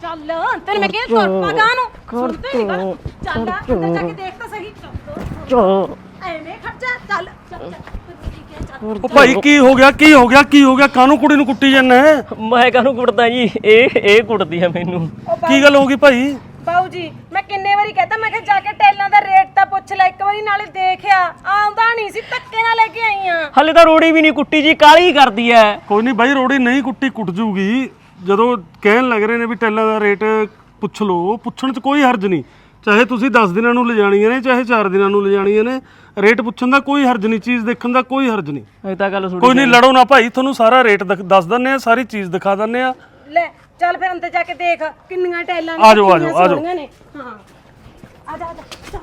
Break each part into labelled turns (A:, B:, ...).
A: ਚੱਲ ਤੈਨੂੰ ਮੈਂ ਕਿਹਾ ਤੁਰ ਪਾ ਗਾਂ ਨੂੰ ਸੁਣਦੇ ਨਹੀਂ ਗੱਲ ਚੱਲ ਅੰਦਰ ਜਾ ਕੇ ਦੇਖ ਤਾਂ ਸਹੀ ਐਵੇਂ ਖਰਚਾ ਚੱਲ ਚੱਲ
B: ਉਹ ਭਾਈ ਕੀ ਹੋ ਗਿਆ ਕਾਹਨੂੰ ਕੁੜੀ ਨੂੰ ਕੁੱਟੀ ਜਾਂਦਾ
C: ਮੈਂ ਕਾਹਨੂੰ ਕੁੱਟਦਾ ਜੀ ਇਹ ਕੁੱਟਦੀ ਆ ਮੈਨੂੰ।
B: ਕੀ ਗੱਲ ਹੋ ਗਈ ਭਾਈ?
A: ਬਾਊ ਜੀ ਮੈਂ ਕਿੰਨੇ ਵਾਰੀ ਕਹਤਾ ਮੈਂ ਕਿਹਾ ਜਾ ਕੇ ਟੈਲਾਂ ਦਾ ਰੇਟ ਤਾਂ ਪੁੱਛ ਲੈ ਇੱਕ ਵਾਰੀ ਨਾਲੇ ਦੇਖਿਆ ਆਉਂਦਾ ਨਹੀਂ ਸੀ ਧੱਕੇ ਨਾਲ ਲੈ ਕੇ ਆਈ ਆ।
C: ਹਲੇ ਤਾਂ ਰੋੜੀ ਵੀ ਨਹੀਂ ਕੁੱਟੀ ਜੀ ਕਾਲੀ ਕਰਦੀ ਐ।
B: ਕੋਈ ਨਹੀਂ ਬਾਈ ਰੋੜੀ ਨਹੀਂ ਕੁੱਟੀ ਕੁੱਟ ਜੂਗੀ ਜਦੋਂ ਕਹਿਣ ਲੱਗ ਰਹੇ ਨੇ ਵੀ ਟੈਲਾਂ ਦਾ ਰੇਟ ਪੁੱਛ ਲਓ ਪੁੱਛਣ 'ਚ ਕੋਈ ਹਰਜ ਨਹੀਂ ਚਾਹੇ ਤੁਸੀਂ 10 ਦਿਨਾਂ ਨੂੰ ਲਿਜਾਣੀਆਂ ਨੇ ਚਾਹੇ 4 ਦਿਨਾਂ ਨੂੰ ਲਿਜਾਣੀਆਂ ਨੇ ਰੇਟ ਪੁੱਛਣ ਦਾ ਕੋਈ ਹਰਜ ਨਹੀਂ ਚੀਜ਼ ਦੇਖਣ ਦਾ ਕੋਈ ਹਰਜ ਨਹੀਂ।
C: ਇਹ ਤਾਂ ਗੱਲ ਸੁਣੀ
B: ਕੋਈ ਨਹੀਂ ਲੜੋ ਨਾ ਭਾਈ ਤੁਹਾਨੂੰ ਸਾਰਾ ਰੇਟ ਦੱਸ ਦਿੰਨੇ ਆ ਸਾਰੀ ਚੀਜ਼ ਦਿਖਾ ਦਿੰਨੇ ਆ।
A: ਲੈ ਚੱਲ ਫਿਰ ਅੰਦਰ ਜਾ ਕੇ ਦੇਖ ਕਿੰਨੀਆਂ ਟੈਲਾਂ
B: ਆ ਜਾਓ
A: ਨੇ ਹਾਂ ਆ ਜਾ ਚੱਲ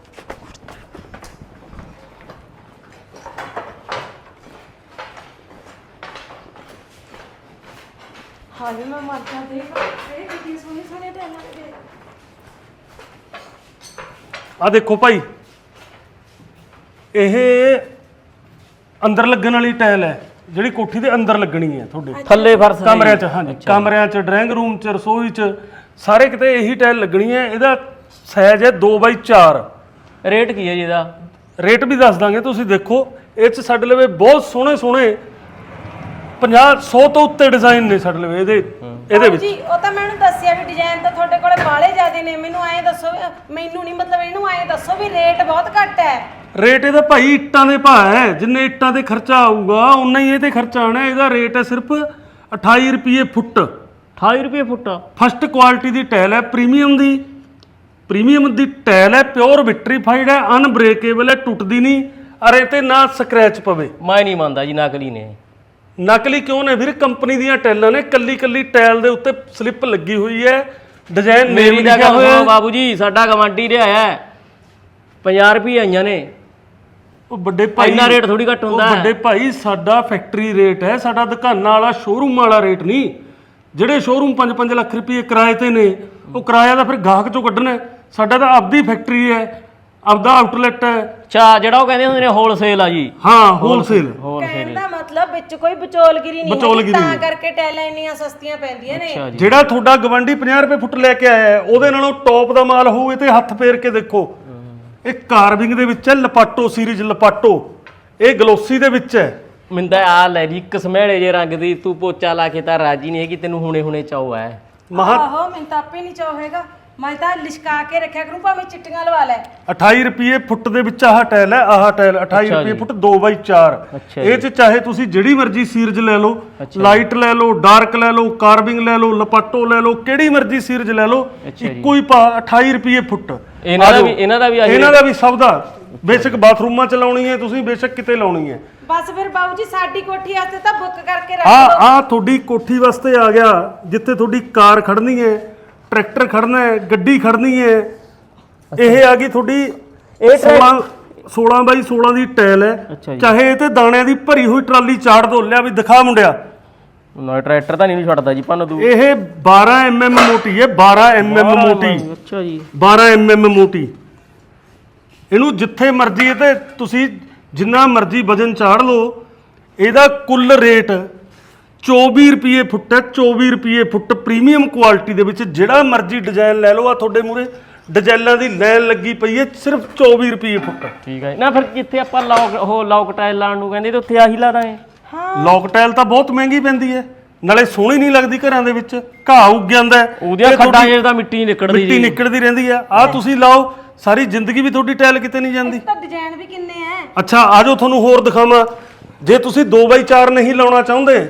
A: ਹਾਲੇ ਮੈਂ ਮਰ ਜਾ ਦੇਖ ਇਹ ਕਿੰਨੀ ਸੋਹਣੀ ਟੈਲਾਂ ਦੇ
B: ਆ ਦੇਖੋ ਭਾਈ ਇਹ ਅੰਦਰ ਲੱਗਣ ਵਾਲੀ ਟਾਇਲ ਹੈ ਜਿਹੜੀ ਕੋਠੀ ਦੇ ਅੰਦਰ ਲੱਗਣੀ ਹੈ ਤੁਹਾਡੇ
C: ਥੱਲੇ ਫਰਸ਼
B: ਕਮਰਿਆਂ 'ਚ। ਹਾਂਜੀ ਕਮਰਿਆਂ 'ਚ ਡਰਾਇੰਗ ਰੂਮ 'ਚ ਰਸੋਈ 'ਚ ਸਾਰੇ ਕਿਤੇ ਇਹੀ ਟਾਇਲ ਲੱਗਣੀ ਹੈ। ਇਹਦਾ ਸਾਈਜ਼ ਹੈ 2x4।
C: ਰੇਟ ਕੀ ਹੈ ਜੀ ਇਹਦਾ?
B: ਰੇਟ ਵੀ ਦੱਸ ਦਾਂਗੇ ਤੁਸੀਂ ਦੇਖੋ ਇਹ 'ਚ ਸਾਡੇ ਲਵੇ ਬਹੁਤ ਸੋਹਣੇ 50-100 ਤੋਂ ਉੱਤੇ ਡਿਜ਼ਾਈਨ ਨੇ ਸਾਡੇ ਲਵੇ ਇਹਦੇ ਵਿੱਚ।
A: ਜੀ ਉਹ ਤਾਂ ਮੈਨੂੰ ਦੱਸਿਆ ਵੀ ਡਿਜ਼ਾਈਨ ਤਾਂ ਤੁਹਾਡੇ ਕੋਲੇ ਬਾਲੇ ਜ਼ਿਆਦੇ ਨੇ ਮੈਨੂੰ ਐਂ ਦੱਸੋ ਮੈਨੂੰ ਨਹੀਂ ਮਤਲਬ ਇਹਨੂੰ ਐਂ ਦੱਸੋ ਵੀ ਰੇਟ ਬਹੁਤ ਘੱਟ ਹੈ।
B: ਰੇਟ ਇਹਦਾ ਭਾਈ ਇੱਟਾਂ ਦੇ ਭਾਅ ਹੈ ਜਿੰਨੇ ਇੱਟਾਂ ਤੇ ਖਰਚਾ ਆਊਗਾ ਉਨਾ ਹੀ ਇਹ ਤੇ ਖਰਚਾ ਆਣਾ। ਇਹਦਾ ਰੇਟ ਹੈ ਸਿਰਫ 28 ਰੁਪਏ ਫੁੱਟ।
C: 28 ਰੁਪਏ ਫੁੱਟ।
B: ਫਸਟ ਕੁਆਲਿਟੀ ਦੀ ਟਾਇਲ ਹੈ ਪ੍ਰੀਮੀਅਮ ਦੀ ਟਾਇਲ ਹੈ ਪਿਓਰ ਵਿਟਰੀਫਾਈਡ ਹੈ ਅਨਬ੍ਰੇਕੇਬਲ ਹੈ ਟੁੱਟਦੀ ਨਹੀਂ ਅਰੇ ਤੇ ਨਾ ਸਕ੍ਰੈਚ ਪਵੇ।
C: ਮੈਂ ਨਹੀਂ ਮੰਨਦਾ ਜੀ ਨਕਲੀ ਨੇ।
B: ਨਕਲੀ ਕਿਉਂ ਨੇ ਵੀਰ ਕੰਪਨੀ ਦੀਆਂ ਟਾਇਲਾਂ ਨੇ ਕੱਲੀ ਟਾਇਲ ਦੇ ਉੱਤੇ ਸਲਿੱਪ ਲੱਗੀ ਹੋਈ ਹੈ ਡਿਜ਼ਾਈਨ ਨੇਮ ਲਿਖਿਆ ਹੋਇਆ।
C: ਬਾਬੂ ਜੀ ਸਾਡਾ ਗਵਾਂਢੀ ਰਿਹਾ ਹੈ 50 ਰੁਪਏ ਆਈਆਂ ਨੇ।
B: ਉਹ ਵੱਡੇ ਭਾਈ
C: ਇੰਨਾ ਰੇਟ ਥੋੜੀ ਘੱਟ ਹੁੰਦਾ।
B: ਵੱਡੇ ਭਾਈ ਸਾਡਾ ਫੈਕਟਰੀ ਰੇਟ ਹੈ ਸਾਡਾ ਦੁਕਾਨਾਂ ਵਾਲਾ ਸ਼ੋਰੂਮ ਵਾਲਾ ਰੇਟ ਨਹੀਂ। ਜਿਹੜੇ ਸ਼ੋਰੂਮ 5-5 ਲੱਖ ਰੁਪਏ ਕਿਰਾਏ ਤੇ ਨੇ ਉਹ ਕਿਰਾਇਆ ਤਾਂ ਫਿਰ ਗਾਹਕ ਚੋਂ ਕੱਢਣਾ। ਸਾਡਾ ਤਾਂ ਆਪਦੀ ਫੈਕਟਰੀ ਹੈ ਆਪਦਾ ਆਊਟਲੈਟ ਹੈ।
C: ਅੱਛਾ ਜਿਹੜਾ ਉਹ ਕਹਿੰਦੇ ਹੁੰਦੇ ਨੇ ਹੋਲਸੇਲ ਆ ਜੀ।
B: ਹਾਂ ਹੋਲਸੇਲ।
A: ਕਹਿਣ ਦਾ ਮਤਲਬ ਵਿੱਚ ਕੋਈ ਵਿਚੋਲਗਿਰੀ ਨਹੀਂ ਤਾਂ ਕਰਕੇ ਟੈਲਾਂ ਇੰਨੀਆਂ ਸਸਤੀਆਂ ਪੈਂਦੀਆਂ ਨੇ।
B: ਜਿਹੜਾ ਤੁਹਾਡਾ ਗਵੰਡੀ 50 ਰੁਪਏ ਫੁੱਟ ਲੈ ਕੇ ਆਇਆ ਉਹਦੇ ਨਾਲੋਂ ਟੌਪ ਦਾ ਮਾਲ ਹੋਊ। ਇਹ ਤੇ ਹੱਥ ਫੇਰ ਕੇ ਦੇਖੋ ਇਹ ਕਾਰਵਿੰਗ ਦੇ ਵਿੱਚ ਹੈ ਲਪਾਟੋ ਸੀਰੀਜ਼ ਲਪਾਟੋ ਇਹ ਗਲੋਸੀ ਦੇ ਵਿੱਚ ਹੈ।
C: ਮਿੰਦਾ ਆ ਲੈ ਜੀ ਕਸਮੇੜੇ ਜੇ ਰੰਗ ਦੀ ਤੂੰ ਪੋਚਾ ਲਾ ਕੇ ਤਾਂ ਰਾਜੀ ਨਹੀਂ ਹੈਗੀ ਤੈਨੂੰ ਹੁਣੇ ਚਾਹ ਹੈ।
A: ਆਹੋ ਮੈਨੂੰ ਤਾਂ ਆਪੇ ਨਹੀਂ ਚਾਹ ਹੈਗਾ ਮੈਂ ਤਾਂ ਲਿਸ਼ਕਾ ਕੇ ਰੱਖਿਆ ਕਰੂੰ ਭਾਵੇਂ ਚਿੱਟੀਆਂ ਲਵਾ ਲੈ।
B: 28 ਰੁਪਏ ਫੁੱਟ ਦੇ ਵਿੱਚ ਆਹ ਟਾਇਲ ਹੈ ਆਹ ਟਾਇਲ 28 ਰੁਪਏ ਫੁੱਟ 2x4। ਇਹ ਚ ਚਾਹੇ ਤੁਸੀਂ ਜਿਹੜੀ ਮਰਜ਼ੀ ਸੀਰਜ ਲੈ ਲਓ ਲਾਈਟ ਲੈ ਲਓ ਡਾਰਕ ਲੈ ਲਓ ਕਾਰਵਿੰਗ ਲੈ ਲਓ ਲਪਾਟੋ ਲੈ ਲਓ ਕਿਹੜੀ ਮਰਜ਼ੀ ਸੀਰਜ ਲੈ ਲਓ ਇੱਕੋ ਹੀ ਪਾ 28 ਰੁਪਏ ਫੁੱਟ।
C: ਇਹਨਾਂ ਦਾ ਵੀ
B: ਸਭ ਦਾ ਬੇਸ਼ੱਕ ਬਾਥਰੂਮਾਂ ਚ ਲਾਉਣੀ ਹੈ ਤੁਸੀਂ ਬੇਸ਼ੱਕ ਕਿਤੇ ਲਾਉਣੀ ਹੈ।
A: ਬਸ ਫਿਰ ਬਾਬੂ ਜੀ ਸਾਡੀ ਕੋਠੀ ਵਾਸਤੇ ਤਾਂ ਬੁੱਕ ਕਰਕੇ ਰੱਖ
B: ਆ ਤੁਹਾਡੀ ਕੋਠੀ ਵਾਸਤੇ ਆ ਗਿਆ ਜਿੱਥੇ ਤੁਹਾਡੀ ਕਾਰ ਖੜਨੀ ਹੈ ਟਰੈਕਟਰ ਖੜਨਾ ਹੈ ਗੱਡੀ ਖੜਨੀ ਹੈ। ਇਹ ਆ ਗਈ ਤੁਹਾਡੀ 16x16 ਦੀ ਟਾਇਲ ਹੈ ਚਾਹੇ ਇਹ ਤੇ ਦਾਣਿਆਂ ਦੀ ਭਰੀ ਹੋਈ ਟਰਾਲੀ ਚਾੜ ਦੋ ਲਿਆ ਵੀ ਦਿਖਾ ਮੁੰਡਿਆ।
C: ਨਾ ਟਰੈਕਟਰ ਤਾਂ ਨਹੀਂ ਛੱਡਦਾ ਜੀ ਪੰਨ ਤੂੰ।
B: ਇਹ 12 mm ਮੋਟੀ ਹੈ 12 mm ਮੋਟੀ।
C: ਅੱਛਾ ਜੀ
B: 12 mm ਮੋਟੀ। ਇਹਨੂੰ ਜਿੱਥੇ ਮਰਜ਼ੀ ਇਹ ਤੇ ਤੁਸੀਂ ਜਿੰਨਾ ਮਰਜ਼ੀ ਵਜਨ ਚਾੜ ਲਓ। ਇਹਦਾ ਕੁੱਲ ਰੇਟ 24 ਰੁਪਏ ਫੁੱਟ ਹੈ 24 ਰੁਪਏ ਫੁੱਟ ਪ੍ਰੀਮੀਅਮ ਕੁਆਲਿਟੀ ਦੇ ਵਿੱਚ ਜਿਹੜਾ ਮਰਜ਼ੀ ਡਿਜ਼ਾਈਨ ਲੈ ਲਓ। ਆ ਤੁਹਾਡੇ ਮੂਰੇ ਡਿਜ਼ਾਈਨਾਂ ਦੀ ਲਾਈਨ ਲੱਗੀ ਪਈ ਹੈ ਸਿਰਫ 24 ਰੁਪਏ ਫੁੱਟ।
C: ਠੀਕ ਹੈ ਨਾ ਫਿਰ ਜਿੱਥੇ ਆਪਾਂ ਲੌਕ ਟਾਇਲ ਲਾਉਣ ਨੂੰ ਕਹਿੰਦੇ ਤੇ ਉੱਥੇ ਆਹੀ ਲਾ ਦਾਂਗੇ।
B: ਲੌਕ ਟਾਇਲ ਤਾਂ ਬਹੁਤ ਮਹਿੰਗੀ ਪੈਂਦੀ ਹੈ ਨਾਲੇ ਸੋਹਣੀ ਨਹੀਂ ਲੱਗਦੀ ਘਰਾਂ ਦੇ ਵਿੱਚ ਘਾਹ ਉੱਗ ਜਾਂਦਾ
C: ਉਹਦੀਆਂ ਖੱਡਾਂ 'ਚ ਤਾਂ ਮਿੱਟੀ
B: ਨਿਕਲਦੀ ਰਹਿੰਦੀ ਹੈ। ਆ ਤੁਸੀਂ ਲਾਓ ਸਾਰੀ ਜ਼ਿੰਦਗੀ ਵੀ ਤੁਹਾਡੀ ਟਾਇਲ ਕਿਤੇ ਨਹੀਂ ਜਾਂਦੀ।
A: ਤਾਂ ਡਿਜ਼ਾਈਨ ਵੀ ਕਿੰਨੇ ਐ।
B: ਅੱਛਾ ਆਜੋ ਤੁਹਾਨੂੰ ਹੋਰ ਦਿਖਾਵਾਂ ਜੇ ਤੁਸੀਂ 2x4 ਨਹੀਂ ਲਾਉਣਾ ਚਾਹੁੰਦੇ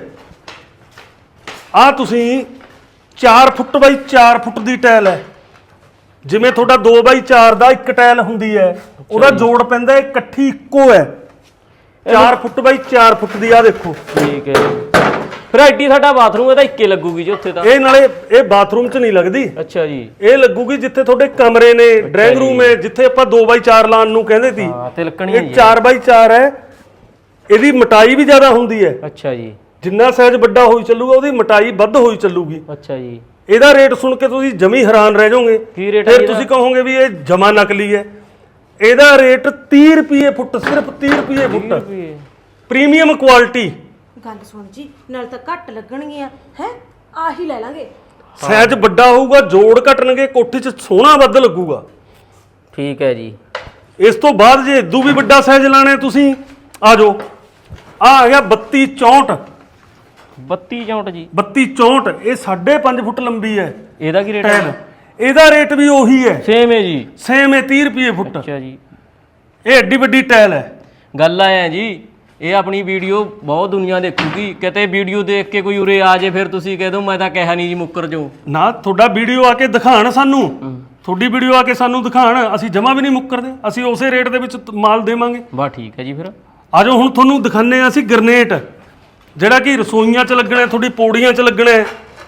B: ਆ ਤੁਸੀਂ 4 ਫੁੱਟ ਬਾਈ 4 ਫੁੱਟ ਦੀ ਟਾਇਲ ਹੈ। ਜਿਵੇਂ ਤੁਹਾਡਾ 2x4 ਦਾ ਇੱਕ ਟਾਇਲ ਹੁੰਦੀ ਹੈ ਉਹਦਾ ਜੋੜ ਪੈਂਦਾ ਇਕੱਠੀ ਇੱਕੋ ਹੈ 4 ਫੁੱਟ ਬਾਈ 4 ਫੁੱਟ ਦੀ। ਆ ਦੇਖੋ
C: ਠੀਕ ਹੈ ਫਿਰ ਐਡੀ ਸਾਡਾ ਬਾਥਰੂਮ ਇਹਦਾ ਇੱਕੇ ਲੱਗੂਗੀ ਜੀ ਉੱਥੇ ਤਾਂ।
B: ਇਹ ਨਾਲੇ ਇਹ ਬਾਥਰੂਮ 'ਚ ਨਹੀਂ ਲੱਗਦੀ।
C: ਅੱਛਾ ਜੀ
B: ਇਹ ਲੱਗੂਗੀ ਜਿੱਥੇ ਤੁਹਾਡੇ ਕਮਰੇ ਨੇ ਡਰਾਇੰਗ ਰੂਮ ਹੈ ਜਿੱਥੇ ਆਪਾਂ 2x4 ਲਾਉਣ ਨੂੰ ਕਹਿੰਦੇ ਸੀ।
C: ਤਿਲਕਣੀ
B: ਇਹ 4x4 ਹੈ ਇਹਦੀ ਮੋਟਾਈ ਵੀ ਜ਼ਿਆਦਾ ਹੁੰਦੀ ਹੈ।
C: ਅੱਛਾ ਜੀ
B: ਜਿੰਨਾ ਸਾਈਜ਼ ਵੱਡਾ ਹੋਈ ਚੱਲੂਗਾ ਉਹਦੀ ਮੋਟਾਈ ਵੱਧ ਹੋਈ ਚੱਲੂਗੀ।
C: ਅੱਛਾ ਜੀ
B: ਇਹਦਾ ਰੇਟ ਸੁਣ ਕੇ ਤੁਸੀਂ ਜਮੀ ਹੈਰਾਨ ਰਹਿ ਜਾਓਗੇ।
C: ਕੀ ਰੇਟ
B: ਫਿਰ ਤੁਸੀਂ ਕਹੋਗੇ ਵੀ ਇਹ ਜਮਾ ਨਕਲੀ ਹੈ। ਇਹਦਾ ਰੇਟ 30 ਰੁਪਏ ਫੁੱਟ ਸਿਰਫ 30 ਰੁਪਏ ਫੁੱਟ ਪ੍ਰੀਮੀਅਮ ਕੁਆਲਿਟੀ।
A: ਗੱਲ ਸੁਣ ਜੀ ਨਾਲ ਤਾਂ ਘੱਟ ਲੱਗਣਗੀਆਂ ਹੈ ਆਹੀ ਲੈ ਲਾਂਗੇ।
B: ਸਾਈਜ਼ ਵੱਡਾ ਹੋਊਗਾ, ਜੋੜ ਘਟਣਗੇ, ਕੋਠੀ 'ਚ ਸੋਹਣਾ ਵੱਧ ਲੱਗੂਗਾ।
C: ਠੀਕ ਹੈ ਜੀ।
B: ਇਸ ਤੋਂ ਬਾਅਦ ਜੇ ਇਦੋਂ ਵੀ ਵੱਡਾ ਸਾਈਜ਼ ਲਾਣਾ ਤੁਸੀਂ ਆ ਜਾਓ। ਆ ਗਿਆ 32 64।
C: 32 64 ਜੀ।
B: 32 64 ਇਹ 5.5 ਫੁੱਟ ਲੰਬੀ ਹੈ।
C: ਇਹਦਾ ਕੀ ਰੇਟ
B: ਟਾਇਲ
C: ਹੈ?
B: ਇਹਦਾ ਰੇਟ ਵੀ ਉਹੀ ਹੈ,
C: ਸੇਮ ਹੈ ਜੀ।
B: ਸੇਮ ਹੈ 30 ਰੁਪਏ ਫੁੱਟ।
C: ਅੱਛਾ ਜੀ।
B: ਇਹ ਐਡੀ ਵੱਡੀ ਟਾਇਲ ਹੈ।
C: ਗੱਲ ਆਇਆ ਜੀ, ਇਹ ਆਪਣੀ ਵੀਡੀਓ ਬਹੁਤ ਦੁਨੀਆ ਦੇਖੂਗੀ, ਕਿਤੇ ਵੀਡੀਓ ਦੇਖ ਕੇ ਕੋਈ ਉਰੇ ਆ ਜੇ ਫਿਰ ਤੁਸੀਂ ਕਹਿ ਦੋ ਮੈਂ ਤਾਂ ਕਿਹਾ ਨਹੀਂ ਜੀ ਮੁੱਕਰ ਜਾਓ।
B: ਨਾ ਤੁਹਾਡਾ ਵੀਡੀਓ ਆ ਕੇ ਦਿਖਾਣ ਸਾਨੂੰ, ਤੁਹਾਡੀ ਵੀਡੀਓ ਆ ਕੇ ਸਾਨੂੰ ਦਿਖਾਣ, ਅਸੀਂ ਜਮਾ ਵੀ ਨਹੀਂ ਮੁੱਕਰਦੇ, ਅਸੀਂ ਉਸੇ ਰੇਟ ਦੇ ਵਿੱਚ ਮਾਲ ਦੇਵਾਂਗੇ।
C: ਬਾ ਠੀਕ ਹੈ ਜੀ। ਫਿਰ
B: ਆ ਜਾਓ ਹੁਣ ਤੁਹਾਨੂੰ ਦਿਖਾਣੇ ਆ ਅਸੀਂ ਗਰਨੇਟ, ਜਿਹੜਾ ਕਿ ਰਸੋਈਆਂ 'ਚ ਲੱਗਣਾ, ਤੁਹਾਡੀ ਪੌੜੀਆਂ 'ਚ ਲੱਗਣਾ।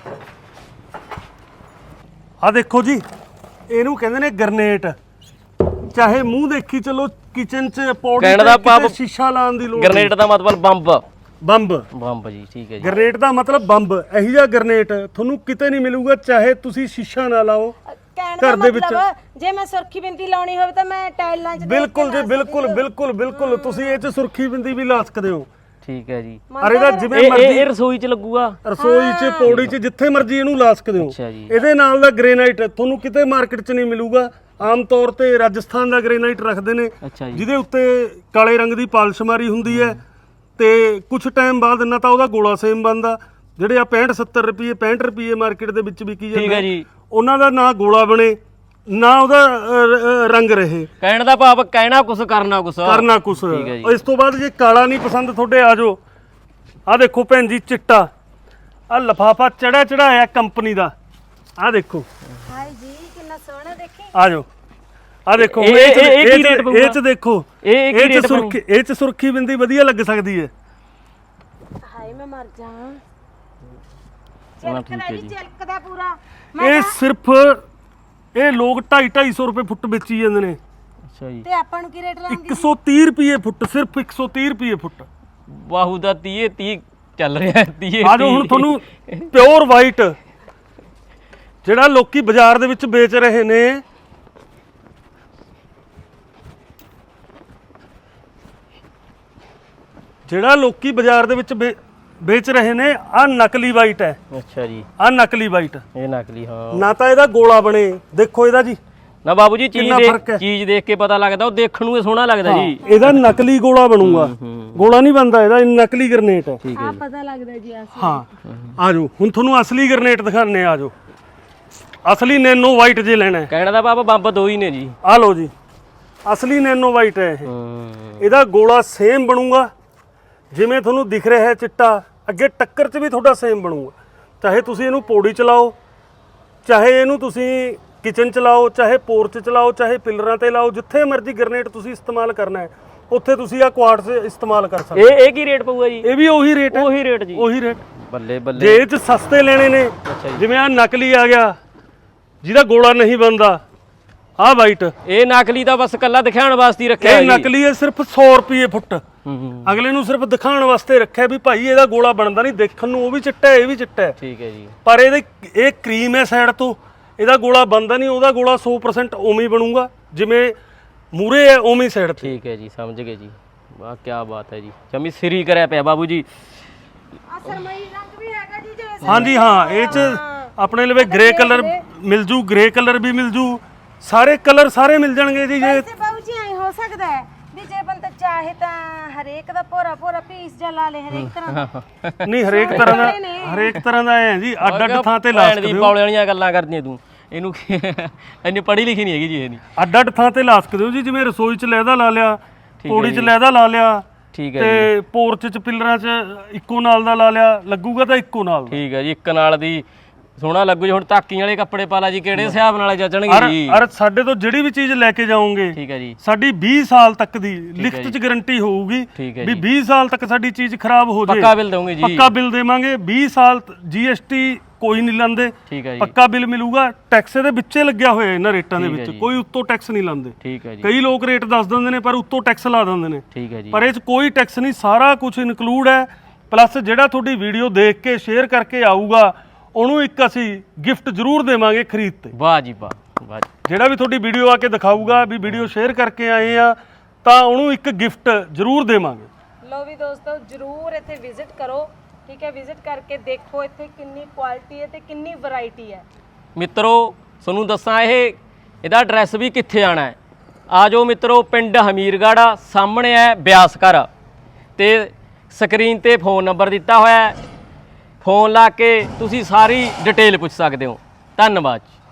B: ਆ ਦੇਖੋ ਜੀ, ਇਹਨੂੰ ਕਹਿੰਦੇ ਨੇ ਗਰਨੇਟ। ਚਾਹੇ ਮੂੰਹ ਦੇਖੀ ਚਲੋ, ਕਿਚਨ 'ਚ ਪੌੜੀ
C: ਕਹਿਣ ਦਾ ਭਾਵ
B: ਸ਼ੀਸ਼ਾ ਲਾਉਣ ਦੀ ਲੋੜ
C: ਗ੍ਰੇਨੇਟ ਦਾ ਮਤਲਬ ਬੰਬ।
B: ਬੰਬ।
C: ਬੰਬ ਜੀ, ਠੀਕ ਹੈ ਜੀ।
B: ਗਰਨੇਟ ਦਾ ਮਤਲਬ ਬੰਬ। ਇਹੀ ਜਿਹਾ ਗਰਨੇਟ ਤੁਹਾਨੂੰ ਕਿਤੇ ਨਹੀਂ ਮਿਲੂਗਾ, ਚਾਹੇ ਤੁਸੀਂ ਸ਼ੀਸ਼ਾ ਨਾ ਲਾਓ
A: ਕਹਿਣ ਦਾ ਮਤਲਬ ਜੇ ਮੈਂ ਸੁਰਖੀ ਬਿੰਦੀ ਲਾਉਣੀ ਹੋਵੇ ਤਾਂ ਮੈਂ ਟਾਈਲਾਂ 'ਚ
B: ਬਿਲਕੁਲ ਜੀ, ਬਿਲਕੁਲ ਬਿਲਕੁਲ ਬਿਲਕੁਲ ਤੁਸੀਂ ਇਹ 'ਚ ਸੁਰਖੀ ਬਿੰਦੀ ਵੀ ਲਾ ਸਕਦੇ ਹੋ।
C: ਠੀਕ ਹੈ ਜੀ।
B: ਅਰੇ ਦਾ ਜਿਵੇਂ
C: ਇਹ
B: ਮਰਜ਼ੀ
C: ਰਸੋਈ 'ਚ ਲੱਗੂਗਾ,
B: ਰਸੋਈ 'ਚ, ਪੌੜੀ 'ਚ, ਜਿੱਥੇ ਮਰਜ਼ੀ ਇਹਨੂੰ ਲਾ ਸਕਦੇ ਹੋ।
C: ਅੱਛਾ ਜੀ।
B: ਇਹਦੇ ਨਾਲ ਦਾ ਗ੍ਰੇਨਾਈਟ ਤੁਹਾਨੂੰ ਕਿਤੇ ਮਾਰਕੀਟ 'ਚ ਨਹੀਂ ਮਿਲੂਗਾ। ਆਮ ਤੌਰ ਤੇ ਰਾਜਸਥਾਨ ਦਾ ਗ੍ਰੇਨਾਈਟ ਰੱਖਦੇ ਨੇ,
C: ਅੱਛਾ ਜੀ।
B: ਜਿਹਦੇ ਉੱਤੇ ਕਾਲੇ ਰੰਗ ਦੀ ਪਾਲਿਸ਼ ਮਾਰੀ ਹੁੰਦੀ ਹੈ, ਤੇ ਕੁਝ ਟਾਈਮ ਬਾਅਦ ਨਾ ਤਾਂ ਉਹਦਾ ਗੋਲਾ ਸੇਮ ਬਣਦਾ। ਜਿਹੜੇ ਆ 65-70 ਰੁਪਏ 65 ਰੁਪਏ ਮਾਰਕੀਟ ਦੇ ਵਿੱਚ ਵਿਕੀ
C: ਠੀਕ
B: ਜਾਂਦੇ
C: ਹੈ ਜੀ।
B: ਉਹਨਾਂ ਦਾ ਨਾ ਗੋਲਾ ਬਣੇ, ਨਾ ਉਹਦਾ ਰੰਗ ਰਹੇ।
C: ਕਹਿਣ ਦਾ ਭਾਵ ਕਹਿਣਾ ਕੁਛ ਕਰਨਾ ਕੁਛ।
B: ਕਰਨਾ ਕੁਛ।
C: ਠੀਕ ਹੈ ਜੀ।
B: ਇਸ ਤੋਂ ਬਾਅਦ ਜੇ ਕਾਲਾ ਨਹੀਂ ਪਸੰਦ ਤੁਹਾਡੇ, ਆ ਜਾਓ। ਆ ਦੇਖੋ ਭੈਣ ਜੀ, ਚਿੱਟਾ ਆ ਲਫਾਫਾ ਚੜਾਇਆ ਕੰਪਨੀ ਦਾ। ਆ ਦੇਖੋ,
A: ਹਾਏ ਜੀ ਕਿੰਨਾ ਸੋਹਣਾ ਦੇਖੀ।
B: ਆ ਜਾਓ। ਆ ਦੇਖੋ
C: ਇਹ ਕੀ ਰੇਟ ਪਊਗਾ?
B: ਇਹ 'ਚ ਦੇਖੋ,
C: ਇਹ ਕੀ ਰੇਟ
B: ਸੁਰਖੀ, ਇਹ 'ਚ ਸੁਰਖੀ ਬਿੰਦੀ ਵਧੀਆ ਲੱਗ ਸਕਦੀ ਹੈ।
A: ਹਾਏ ਮੈਂ ਮਰ ਜਾ।
C: ਠੀਕ
A: ਚਿਲਕਦਾ
C: ਹੈ
A: ਜੀ,
C: ਜੀ।
A: ਚਿਲਕਦਾ ਪੂਰਾ।
B: ਇਹ ਸਿਰਫ ਇਹ ਲੋਕ 250-250 ਰੁਪਏ ਫੁੱਟ ਵੇਚੀ ਜਾਂਦੇ ਨੇ।
C: ਅੱਛਾ ਜੀ।
A: ਤੇ ਆਪਾਂ ਨੂੰ ਕੀ ਰੇਟ ਲਾਉਂਗੀ?
B: 130 ਰੁਪਏ ਫੁੱਟ, ਸਿਰਫ 130 ਰੁਪਏ ਫੁੱਟ।
C: ਬਾਹੂ ਦਾ 30 ਚੱਲ ਰਿਹਾ ਹੈ। 30
B: ਆ ਜਾਓ ਹੁਣ ਤੁਹਾਨੂੰ ਪਿਓਰ ਵਾਈਟ, ਜਿਹੜਾ ਲੋਕੀ ਬਾਜ਼ਾਰ ਦੇ ਵਿੱਚ ਵੇਚ ਰਹੇ ਨੇ, ਜਿਹੜਾ ਲੋਕੀ ਬਾਜ਼ਾਰ ਦੇ ਵਿੱਚ ਵੇਚ ਰਹੇ ਨੇ, ਆ ਨਕਲੀ ਵਾਈਟ ਹੈ।
C: ਅੱਛਾ ਜੀ।
B: ਆ ਨਕਲੀ ਵਾਈਟ,
C: ਇਹ ਨਕਲੀ, ਹਾਂ।
B: ਨਾ ਤਾਂ ਇਹਦਾ ਗੋਲਾ ਬਣੇ, ਦੇਖੋ ਇਹਦਾ ਜੀ
C: ਨਾ ਬਾਬੂ ਜੀ,
B: ਕਿੰਨਾ ਫਰਕ ਹੈ।
C: ਚੀਜ਼ ਦੇਖ ਕੇ ਪਤਾ ਲੱਗਦਾ, ਉਹ ਦੇਖਣ ਨੂੰ ਇਹ ਸੋਹਣਾ ਲੱਗਦਾ ਜੀ।
B: ਇਹਦਾ ਨਕਲੀ ਗੋਲਾ ਬਣੂਗਾ, ਗੋਲਾ ਨਹੀਂ ਬਣਦਾ ਇਹਦਾ, ਇਹ ਨਕਲੀ ਗਰਨੇਟ ਹੈ।
C: ਠੀਕ ਹੈ ਜੀ।
A: ਪਤਾ ਲੱਗਦਾ ਜੀ ਆਸ।
B: ਹਾਂ, ਆ ਜਾਓ ਹੁਣ ਤੁਹਾਨੂੰ ਅਸਲੀ ਗਰਨੇਟ ਦਿਖਾਣੇ। ਆ ਜਾਓ, ਅਸਲੀ ਨੈਨੋ ਵਾਈਟ ਜੇ ਲੈਣਾ ਹੈ।
C: ਕਹਿਣ ਦਾ ਭਾਵ ਬੰਬ ਦੋ ਹੀ ਨੇ ਜੀ।
B: ਆ ਲਓ ਜੀ, ਅਸਲੀ ਨੈਨੋ ਵਾਈਟ ਹੈ ਇਹ। ਇਹਦਾ ਗੋਲਾ ਸੇਮ ਬਣੂਗਾ ਜਿਵੇਂ ਤੁਹਾਨੂੰ ਦਿਖ ਰਿਹਾ ਹੈ ਚਿੱਟਾ, ਅੱਗੇ ਟੱਕਰ 'ਚ ਵੀ ਤੁਹਾਡਾ ਸੇਮ ਬਣੂਗਾ। ਚਾਹੇ ਤੁਸੀਂ ਇਹਨੂੰ ਪੌੜੀ 'ਚ ਲਾਓ, ਚਾਹੇ ਇਹਨੂੰ ਤੁਸੀਂ ਕਿਚਨ 'ਚ ਲਾਓ, ਚਾਹੇ ਪੋਰਚ 'ਚ ਲਾਓ, ਚਾਹੇ ਪਿਲਰਾਂ ਤੇ ਲਾਓ, ਜਿੱਥੇ ਮਰਜ਼ੀ ਗਰਨੇਟ ਤੁਸੀਂ ਇਸਤੇਮਾਲ ਕਰਨਾ ਹੈ ਉੱਥੇ ਤੁਸੀਂ ਆ ਕੁਆਰਟਜ਼ ਇਸਤੇਮਾਲ ਕਰ ਸਕਦੇ
C: ਇਹ ਕੀ ਰੇਟ ਪਊਗਾ ਜੀ?
B: ਇਹ ਵੀ ਉਹੀ ਰੇਟ ਹੈ।
C: ਉਹੀ ਰੇਟ ਜੀ।
B: ਉਹੀ ਰੇਟ।
C: ਬੱਲੇ ਬੱਲੇ।
B: ਜੇ ਇਹ 'ਚ ਸਸਤੇ ਲੈਣੇ ਨੇ, ਜਿਵੇਂ ਆ ਨਕਲੀ ਆ ਗਿਆ ਜਿਹਦਾ ਗੋਲਾ ਨਹੀਂ ਬਣਦਾ, ਆ ਵਾਈਟ,
C: ਇਹ ਨਕਲੀ ਤਾਂ ਬਸ ਕੱਲਾ ਦਿਖਾਉਣ ਵਾਸਤੇ ਹੀ ਰੱਖਿਆ
B: ਇਹ ਨਕਲੀ ਹੈ, ਸਿਰਫ 100 ਰੁਪਏ ਫੁੱਟ। ਅਗਲੇ ਨੂੰ ਸਿਰਫ ਦਿਖਾਉਣ ਵਾਸਤੇ ਰੱਖਿਆ ਵੀ ਭਾਈ ਇਹਦਾ ਗੋਲਾ ਬਣਦਾ ਨਹੀਂ, ਦੇਖਣ ਨੂੰ ਉਹ ਵੀ ਚਿੱਟਾ ਹੈ, ਇਹ ਵੀ ਚਿੱਟਾ ਹੈ।
C: ਠੀਕ ਹੈ ਜੀ।
B: ਪਰ ਇਹ ਕਰੀਮ ਹੈ ਸਾਈਡ ਤੋਂ, ਇਹਦਾ ਗੋਲਾ ਬਣਦਾ ਨਹੀਂ, ਉਹਦਾ ਗੋਲਾ 100% ਉਵੇਂ ਹੀ ਬਣੂਗਾ ਜਿਵੇਂ ਮੂਰੇ ਹੈ ਉਵੇਂ ਸਾਈਡ ਤੇ।
C: ਠੀਕ ਹੈ ਜੀ, ਸਮਝ ਗਏ ਜੀ। ਵਾਹ ਕੀ ਬਾਤ ਹੈ ਜੀ, ਜਮੀ ਸਿਰੀ ਕਰਿਆ ਪਿਆ ਬਾਬੂ ਜੀ।
A: ਆ ਸਰਮਈ ਰੰਗ ਵੀ ਹੈਗਾ ਜੀ ਜਿਵੇਂ।
B: ਹਾਂਜੀ ਹਾਂ, ਇਹ 'ਚ ਆਪਣੇ ਲਵੇ ਗ੍ਰੇ ਕਲਰ ਮਿਲ ਜੂ, ਗ੍ਰੇ ਕਲਰ ਵੀ ਮਿਲ ਜੂ, ਸਾਰੇ ਕਲਰ ਸਾਰੇ ਮਿਲ ਜਾਣਗੇ ਜੀ। ਜੇ
A: ਵੈਸੇ ਬਾਬੂ ਜੀ ਐ ਹੋ ਸਕਦਾ ਹੈ ਵੀ ਜੇ ਬੰਦਾ ਚਾਹੇ ਤਾਂ ਹਰੇਕ ਦਾ ਭੋਰਾ ਪੀਸ ਜਾਂ ਲਾ ਲੇ, ਹਰੇਕ ਤਰ੍ਹਾਂ ਦਾ।
B: ਨਹੀਂ, ਹਰੇਕ ਤਰ੍ਹਾਂ ਦਾ ਹੈ ਜੀ, ਅੱਡ ਅੱਡ ਥਾਂ ਤੇ ਲਾ ਸਕਦੇ ਹੋ।
C: ਪੌਲੇ ਵਾਲੀਆਂ ਗੱਲਾਂ ਕਰਦੀਆਂ ਤੂੰ, ਇਹਨੂੰ ਇੰਨੀ ਪੜ੍ਹੀ ਲਿਖੀ ਨਹੀਂ ਹੈਗੀ ਜੀ ਇਹ ਨਹੀਂ।
B: ਅੱਡ ਅੱਡ ਥਾਂ ਤੇ ਲਾ ਸਕਦੇ ਹੋ ਜੀ, ਜਿਵੇਂ ਰਸੋਈ 'ਚ ਲਹਿਦਾ ਲਾ ਲਿਆ, ਪੌੜੀ 'ਚ ਲਹਿਦਾ ਲਾ ਲਿਆ,
C: ਠੀਕ ਹੈ
B: ਤੇ ਪੋਰਚ 'ਚ ਪਿਲਰਾਂ 'ਚ ਇੱਕੋ ਨਾਲ ਦਾ ਲਾ ਲਿਆ, ਲੱਗੂਗਾ ਤਾਂ ਇੱਕੋ ਨਾਲ।
C: ਠੀਕ ਹੈ ਜੀ, ਇੱਕ ਨਾਲ ਦੀ ਸੋਹਣਾ ਲੱਗੂ ਜੀ। ਹੁਣ ਤਾਕੀ ਵਾਲੇ ਕੱਪੜੇ ਪਾ ਲਾ ਜੀ, ਕਿਹੜੇ ਹਿਸਾਬ ਨਾਲ ਜੱਜਣਗੇ ਜੀ?
B: ਅਰ ਸਾਡੇ ਤੋਂ ਜਿਹੜੀ ਵੀ ਚੀਜ਼ ਲੈ ਕੇ ਜਾਓਗੇ,
C: ਠੀਕ ਹੈ ਜੀ,
B: ਸਾਡੀ 20 ਸਾਲ ਤੱਕ ਦੀ ਲਿਖਤ 'ਚ ਗਾਰੰਟੀ ਹੋਊਗੀ ਵੀ 20 ਸਾਲ ਤੱਕ ਸਾਡੀ ਚੀਜ਼ ਖਰਾਬ ਹੋ ਜਾਏ,
C: ਪੱਕਾ ਬਿੱਲ ਦਵਾਂਗੇ ਜੀ।
B: ਪੱਕਾ ਬਿੱਲ ਦੇਵਾਂਗੇ। 20 ਸਾਲ GST ਕੋਈ ਨਹੀਂ ਲਾਂਦੇ,
C: ਠੀਕ ਹੈ ਜੀ,
B: ਪੱਕਾ ਬਿੱਲ ਮਿਲੂਗਾ। ਟੈਕਸ ਦੇ ਵਿੱਚੇ ਲੱਗਿਆ ਹੋਇਆ ਇਹਨਾਂ ਰੇਟਾਂ ਦੇ ਵਿੱਚ, ਕੋਈ ਉੱਤੋਂ ਟੈਕਸ ਨਹੀਂ ਲਾਂਦੇ।
C: ਠੀਕ ਹੈ ਜੀ।
B: ਕਈ ਲੋਕ ਰੇਟ ਦੱਸ ਦਿੰਦੇ ਨੇ ਪਰ ਉੱਤੋਂ ਟੈਕਸ ਲਾ ਦਿੰਦੇ ਨੇ,
C: ਠੀਕ ਹੈ ਜੀ।
B: ਪਰ ਇਹ 'ਚ ਕੋਈ ਟੈਕਸ ਨਹੀਂ, ਸਾਰਾ ਕੁਝ ਇਨਕਲੂਡ ਹੈ। ਪਲੱਸ ਜਿਹੜਾ ਤੁਹਾਡੀ ਵੀਡੀਓ ਦੇਖ ਕੇ ਸ਼ੇਅਰ ਕਰਕੇ ਆਊਗਾ, ਉਹਨੂੰ ਇੱਕ ਅਸੀਂ ਗਿਫਟ ਜ਼ਰੂਰ ਦੇਵਾਂਗੇ ਖਰੀਦ ਤੇ।
C: ਵਾਹ ਜੀ ਵਾਹ, ਵਾਹ ਜੀ।
B: ਜਿਹੜਾ ਵੀ ਤੁਹਾਡੀ ਵੀਡੀਓ ਆ ਕੇ ਦਿਖਾਊਗਾ ਵੀ ਵੀਡੀਓ ਸ਼ੇਅਰ ਕਰਕੇ ਆਏ ਆ, ਤਾਂ ਉਹਨੂੰ ਇੱਕ ਗਿਫਟ ਜ਼ਰੂਰ ਦੇਵਾਂਗੇ।
A: ਲੋ ਵੀ ਦੋਸਤੋ, ਜਰੂਰ ਇੱਥੇ ਵਿਜ਼ਿਟ ਕਰੋ ਠੀਕ ਹੈ ਵਿਜ਼ਿਟ ਕਰਕੇ ਦੇਖੋ ਇੱਥੇ ਕਿੰਨੀ ਕੁਆਲਿਟੀ ਹੈ ਤੇ ਕਿੰਨੀ ਵੈਰਾਈਟੀ ਹੈ।
C: ਮਿੱਤਰੋ ਤੁਹਾਨੂੰ ਦੱਸਾਂ ਇਹਦਾ ਐਡਰੈਸ ਵੀ ਕਿੱਥੇ ਆਣਾ ਹੈ। ਆ ਜਾਓ ਮਿੱਤਰੋ, ਪਿੰਡ ਹਮੀਰਗੜ੍ਹ, ਸਾਹਮਣੇ ਹੈ ਬਿਆਸ ਘਰ ਤੇ ਸਕਰੀਨ ਤੇ ਫੋਨ ਨੰਬਰ ਦਿੱਤਾ ਹੋਇਆ ਹੈ। ਫੋਨ ਲਾ ਕੇ ਤੁਸੀਂ ਸਾਰੀ ਡਿਟੇਲ ਪੁੱਛ ਸਕਦੇ ਹੋ। ਧੰਨਵਾਦ।